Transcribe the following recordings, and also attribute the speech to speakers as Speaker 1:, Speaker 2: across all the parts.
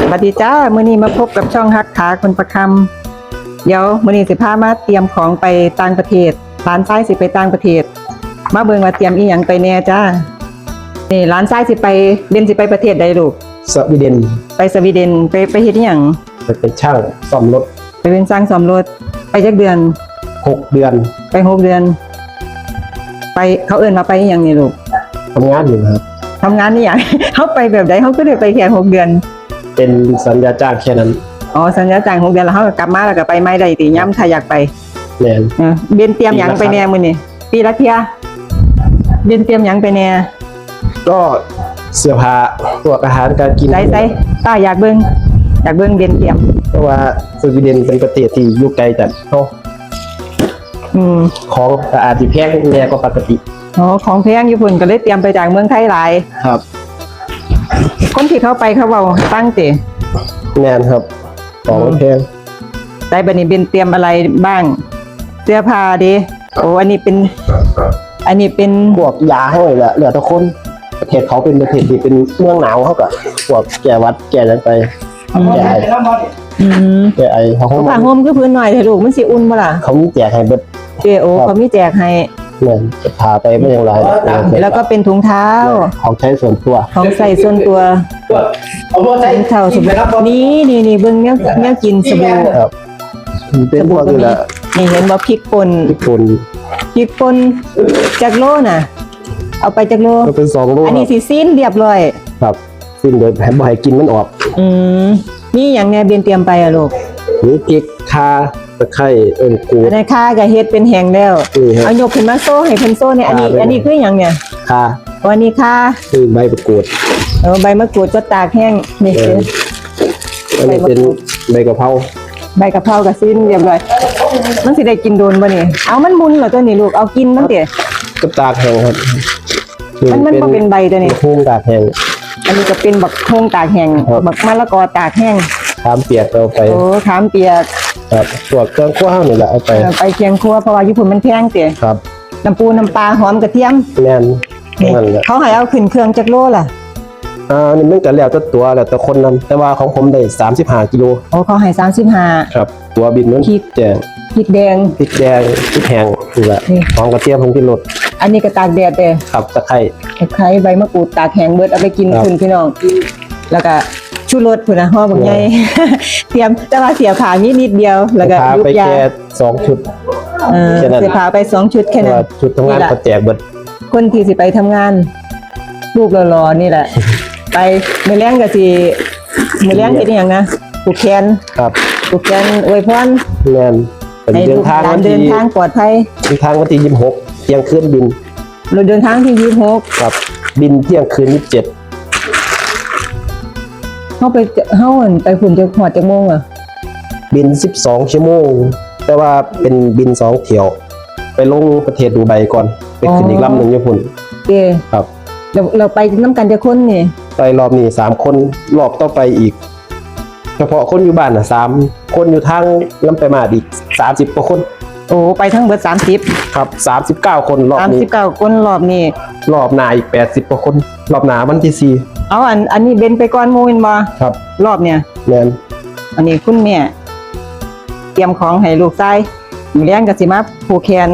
Speaker 1: สวัสดีจ้ามื้อนี้มาพบกับช่องฮักขาคนประคำเดี๋ยวมื้อนี้สิพามาเตรียมของไปต่างประเทศร้านซ้ายสิไปต่างประเทศมาเบิ่งว่าเตรียมอีหยังไปแน่จ้านี่ร้านซ้ายสิไปเบนสิไปประเทศใดลูก
Speaker 2: สวีเดน
Speaker 1: ไปสวีเดนไปเฮ็ดอีหยัง
Speaker 2: ไปเป็นช่างซ่อมรถ
Speaker 1: ไปเป็นช่างซ่อมรถไปจักเดือน
Speaker 2: 6 เดือน
Speaker 1: ไป6 เดือนไปเขาเอิ้นว่าไปอีหยังนี่ลูก
Speaker 2: ทำงานอยู่ครับ
Speaker 1: ทำงานนี่หยัง เขาไปแบบใดเขาก็ได้ไปแค่6 เดือน
Speaker 2: เป็นสัญญาจ้างแค่นั้น
Speaker 1: อ๋อสัญญาจ้าง6 เดือนแล้วเขาก็กลับมาแล้วก็ไปไม่ได้ติย้ำถ้าอยากไป
Speaker 2: แม่น
Speaker 1: เบนเตรียมหยังไปแน่มื้อนี้ปีละเที่ยเบนเตรียมหยังไปแน่
Speaker 2: ก็เสื้อผ้าตัวอาหารการกิน
Speaker 1: ใส่ป้าอยากเบิ่งเบนเตรียม
Speaker 2: เพราะว่าสวีเดนเป็นประเทศที่อยู่ไกลจากเฮาของก็อาจสิแพงแน่กว่าปกติ
Speaker 1: อ๋อของแพงญี่ปุ่นก็เลยเตรียมไปจากเมืองไทยหลาย
Speaker 2: ครับ
Speaker 1: คนที่เขาไปเขาเว้าตั้งติ
Speaker 2: แม่นครับของแพง
Speaker 1: ได้บัดนี้เบนเตรียมอะไรบ้างเสื้อผ้าดิโอ้อันนี้เป็น
Speaker 2: พวกยาให้แหละเหลือแต่คนประเทศเขาเป็นประเทศที่เป็นเมืองหนาวเขาก็พวกแก้หวัดแก้จังไปแก้ไอแก้ไอเขา
Speaker 1: ผ้าห่มคือพื้นหน่อยเถอะลูกมันสิอุ่นบ่ล่ะ
Speaker 2: เขามีแจกให้เบิด
Speaker 1: โอ้เขามีแจกให้
Speaker 2: เนี่ยจะพาไปไม่อย่างไร
Speaker 1: แล้วก็เป็นถุงเท้า
Speaker 2: ของใช้ส่วนตัว
Speaker 1: ของใส่ส่วนตัวถุงเท้าสบู่นี่เบิ่งแนวกินสบู่
Speaker 2: ครับเป็นพวกนี้แหละ
Speaker 1: นี่เห็นว่าพริกป่นจากโลน่ะเอาไปจากโล
Speaker 2: ก็เป็น2 โล
Speaker 1: อันนี้สิซีนเรียบร้อย
Speaker 2: ครับซีนโดยบ่ให้กินมันออก
Speaker 1: นี่อย่างแน่เบียนเตรียมไปอะลูก
Speaker 2: นี่พริกข่าตะไคร้กูด
Speaker 1: อันนี้ข่ากับเฮ็ดเป็นแห้งแล้วเอายกขึ้นมาโซ่ให้เพิ่นโซ่เนี่ยอันนี้คือหยังเนี่ย
Speaker 2: ข่า
Speaker 1: อันนี้ข่า
Speaker 2: คือใบมะกรูด
Speaker 1: ใบมะกรูดก็ตากแห้งนี่คือ
Speaker 2: อันนี้เป็นใบกะเพรา
Speaker 1: กับซีนเรียบร้อยมันสิได้กินโดนบ่นี่เอามันมุนเหรอตัวนี้ลูกเอากินมันเด้
Speaker 2: ก็ตากแห้งครับ
Speaker 1: มันบ่เป็นใบตัวนี้
Speaker 2: โฮงตากแห้ง
Speaker 1: อันนี้ก็เป็นบักโฮงตากแห้งบักมะละกอตากแห้ง
Speaker 2: ขามเปียกเอาไป
Speaker 1: โอ้ขามเปียก
Speaker 2: ครับตัวเครื่องคั่วนี่แหละเอา
Speaker 1: ไปเคียงครัวเพราะว่าญี่ปุ่นมันแพงเด้
Speaker 2: ครับ
Speaker 1: น้ำปูน้ำปลาหอมกระเทียม
Speaker 2: แม่นนั่นแหละ
Speaker 1: เขาให้เอาขึ้นเครื่องจักโลล่ะ
Speaker 2: นี่มันก็แล้วแต่ตัวแล้วแต่คนนำแต่ว่าของผมได้35 กิโล
Speaker 1: โอ้เขาให้35
Speaker 2: ครับตัวบินนั้นพริกแดง
Speaker 1: พริกแดงพ
Speaker 2: ริกแห้งนี่แหละหอมกระเทียมผงชูรส
Speaker 1: อันนี้ก็ตากแดดเด้
Speaker 2: ครับตะไคร้
Speaker 1: ใบมะกรูดตากแห้งเบิดเอาไปกินคุณพี่น้องแล้วก็ชูรสพุ่นน่ะห่อบักใหญ่เตรียมแต่ว่าเสียผ้านิดเดียวแล้วก็
Speaker 2: ยุบยาไปแค่2 ชุด
Speaker 1: เสียผ้าไป2 ชุดแค่นั้น
Speaker 2: ชุดทำงานก็แจกเบิด
Speaker 1: คนที่สิไปทำงานลูกรอๆนี่แหละไปมื้อแลงก็สิมื้อแลงเฮ็ดอีหยังนะผูกแขน
Speaker 2: ครับ
Speaker 1: ผูกแขนอวยพร
Speaker 2: แม่น
Speaker 1: ให้เดินทางปลอดภัย
Speaker 2: เดินทางวันที่26เที่ยงคืนบิน
Speaker 1: เราเดินทางที่26
Speaker 2: ครับบินเที่ยงคืน27
Speaker 1: เฮาไปฝุ่นจะหอดจักโมงอ่ะ
Speaker 2: บิน12 ชั่วโมงแต่ว่าเป็นบิน2 เที่ยวไปลงประเทศดูไบก่อนไปขึ้นอีกลำนึงญี่ปุ่นครับ
Speaker 1: เราไปน้ำกันจะคนนี่
Speaker 2: ไปรอบนี้3 คนรอบต่อไปอีกเฉพาะคนอยู่บ้าน3 คนอยู่ทางลำไปมาอีก30 กว่าคน
Speaker 1: โอ้ไปทั้งเบิด30
Speaker 2: ครับ39 คนรอบนี้
Speaker 1: 39 คนรอบนี้
Speaker 2: รอบหน้าอีก80 กว่าคนรอบหน้าวันที่4
Speaker 1: เอาอันนี้เบนไปก่อนหมู่แม่นบ่
Speaker 2: ครับ
Speaker 1: รอบเนี่ย
Speaker 2: แม่น
Speaker 1: อันนี้คุณแม่เตรียมของให้ลูกชายมื้อแลงก็สิมาผูกแขน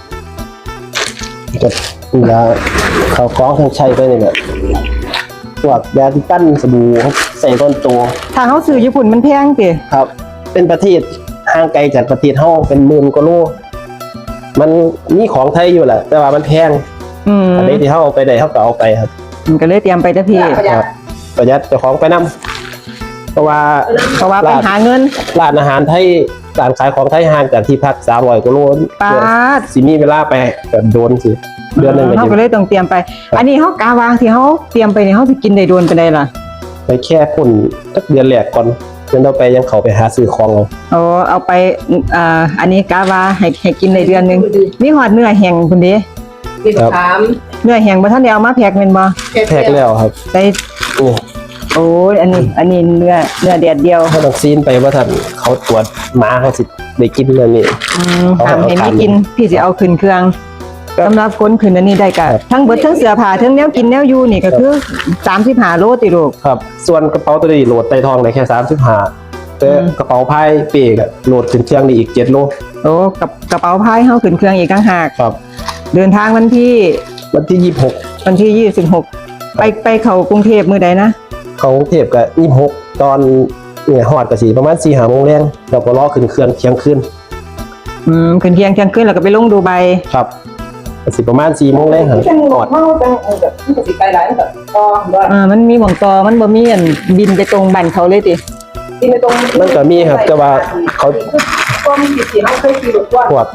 Speaker 2: จะยาเขาคล้องเครื่องใช้ไปนี่แหละพวกยาที่กั้นสบู่ใส่ต้นตัว
Speaker 1: ถ้าเฮาซื้อญี่ปุ่นมันแพงติ
Speaker 2: ครับเป็นประเทศห่างไกลจากประเทศเฮาเป็นหมื่นกว่าโลมันมีของไทยอยู่แหละแต่ว่ามันแพงอันนี้ที่เฮาเอาไปได้เฮาก็เอาไปครับ
Speaker 1: มันก็เลยเตรียมไปจ้ะพี่
Speaker 2: ครับประหยัดเจ้าของไปนำเพราะว่า
Speaker 1: ไปหาเงิน
Speaker 2: ร้านอาหารไทยร้านขายของไทยห่างจากที่พัก300 กว่าโลสิมีเวลาไปแบบโดนสิเดือนนึง
Speaker 1: เฮาก็เลยต้องเตรียมไปอันนี้เฮากาวางที่เฮาเตรียมไปนี่เฮาสิกินได้โดนไปได้ล่ะ
Speaker 2: ไปแค่พุ่นสักเดือนแรกก่อนเดี๋ยวเราไปยังเขาไปหาซื้อของ
Speaker 1: เอาไปอันนี้กาวาให้กินในเดือนนึงมีหอดเนื้อแห้งพุ่นเด้เนื้อแห้งบ่ทันได้เอามาแพ็คแม่นบ่
Speaker 2: แพ็คแล้วครับ
Speaker 1: ได้โอ้ยอันนี้เนื้อแดดเดียว
Speaker 2: เขาต้องซีนไปว่าท่านเขาตรวจหมาเขาสิได้กินเรื่องนี้
Speaker 1: ทำให้ไม่กินพี่สิเอาขึ้นเครื่องสำหรับคนขึ้นอันนี้ได้ก็ทั้งเบิดทั้งเสื้อผ้าทั้งแนวกินแนวอยู่นี่ก็คือ35โลติลูก
Speaker 2: ครับ ส่วนกระเป๋าตัวนี้โหลดใต้ท้องได้แค่35แต่กระเป๋าพายเป้ก็โหลดขึ้นเครื่องได้อีก7โล
Speaker 1: โอ้กับกระเป๋าพายเฮาขึ้นเครื่องอีกต่างหาก
Speaker 2: ครับ
Speaker 1: เดินทางวันที่
Speaker 2: วันที่26
Speaker 1: วันที่26ไปเข้ากรุงเทพมื้อใดนะ
Speaker 2: เขากรุงเทพก็26ตอนเนี่ยฮอดก็สิประมาณ 4-5 โมงแรงแล้วก็รอขึ้นเครื่องเที่ยงคืน
Speaker 1: ขึ้นเที่ยงคืนแล้วก็ไปลงดูไบ
Speaker 2: ครับก็สิประมาณ4โมงแรงครับฮอด
Speaker 1: แบบสิไปหลายแบบต่อมันมีหม่องต่อมันบ่มีอันบินไปตรงบ้านเขาเลยติบินไปตรง
Speaker 2: มันก็มีครับแต่ว่าเขา
Speaker 1: ก็มีสิเฮาเคยขี่รถว่า
Speaker 2: พวก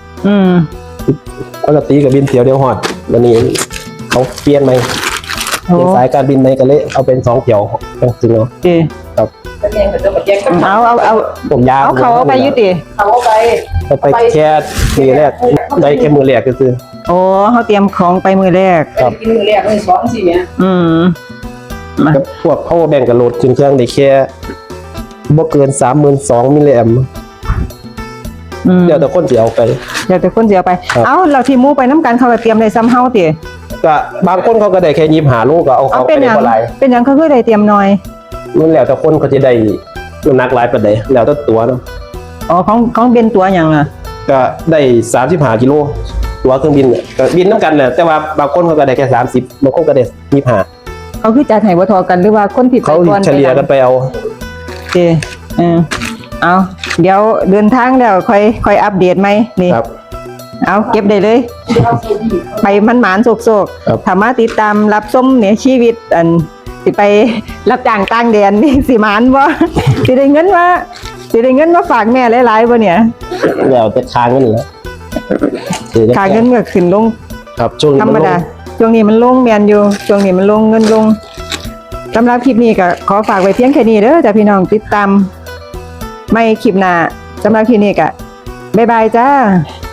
Speaker 2: ปกติกับบินเที่ยวเดียวฮอดวันนี้เขาเปลี่ยนใหม่เปลี่ยนสายการบินใหม่ก็เลยเอาเป็น2เที่ยวจังซี่เนาะ
Speaker 1: ติ
Speaker 2: ครับ
Speaker 1: เอา
Speaker 2: ผมยาว
Speaker 1: เอาเขาไปอยู่ติ
Speaker 2: เอาไปแค่มือแรกได้แค่มือแรกก็คือ
Speaker 1: โอ้เฮาเตรียมของไปมื้อแรก
Speaker 2: ครับ
Speaker 3: กินมือแรกเลย2 4เนี่ย
Speaker 1: มา
Speaker 2: กับพวก power bank กับโหลดขึ้นเครื่องได้แค่บ่เกิน 32,000 มิลลิแอมป์เดี๋ยวแต่คนสิเอาไป
Speaker 1: เดี๋ยวแต่คนสิเอาไป
Speaker 2: ครับ
Speaker 1: เอาเราที่หมู่ไปนํกันเขาก็เตรียมได้ซ้ำเฮาติ
Speaker 2: ก็บางคนเขาก็ได้แค่25โลก็เอา
Speaker 1: เอา
Speaker 2: เขาไป
Speaker 1: เป็นห
Speaker 2: ได้
Speaker 1: ยัง
Speaker 2: บ่หลาย
Speaker 1: เป็นหยังเขาคือได้เตรียมน้อย
Speaker 2: มันแล้วแต่คนเขาจะได้น้ำหนักหลายปานใดแล้วแต่ตัวเนาะ
Speaker 1: อ๋อของเป็นตัวหยังอ่ะ
Speaker 2: ก็ได้35กิโลตัวเครื่องบินเนี่ยก็บินนํกันแหละแต่ว่าบางคนเขาก็ได้แค่30บางคนก็ได้25
Speaker 1: เขาคือจัดให้บ่เทอกันหรือว่าคนที่ไป
Speaker 2: เขา
Speaker 1: ก่อน
Speaker 2: เฉลี่ยกันไปเอา
Speaker 1: โอเคเอาเดี๋ยวเดินทางแล้วค่อยอัปเดตไหมนี่
Speaker 2: ครับ
Speaker 1: เอาเก็บได้เลย ไปมันหมานโศก
Speaker 2: ครับ
Speaker 1: ๆถ้ามาติดตามรับชมเนี่ยชีวิตอันสิไปรับจ้างต่างแดนนี่สิหมานบ่ สิได้เงินมาฝากแม่หลายๆบ่เนี่ย
Speaker 2: แล้วแต่ค้างเงินแหล้ว
Speaker 1: ค่าเงินก็ขึ้นลง
Speaker 2: ครับช่วงนี้
Speaker 1: ธรรม
Speaker 2: นล
Speaker 1: ดาง ช่วงนี้มันลงแม่นอยู่ช่วงนี้มันลงเงินลงสำหรับคลิปนี้ก็ขอฝากไว้เพียงแค่นี้เด้อจ้ะพี่น้องติดตามไม่คลิปหน้าสำหรับคลิปนี้ก็บ๊ายบายจ้า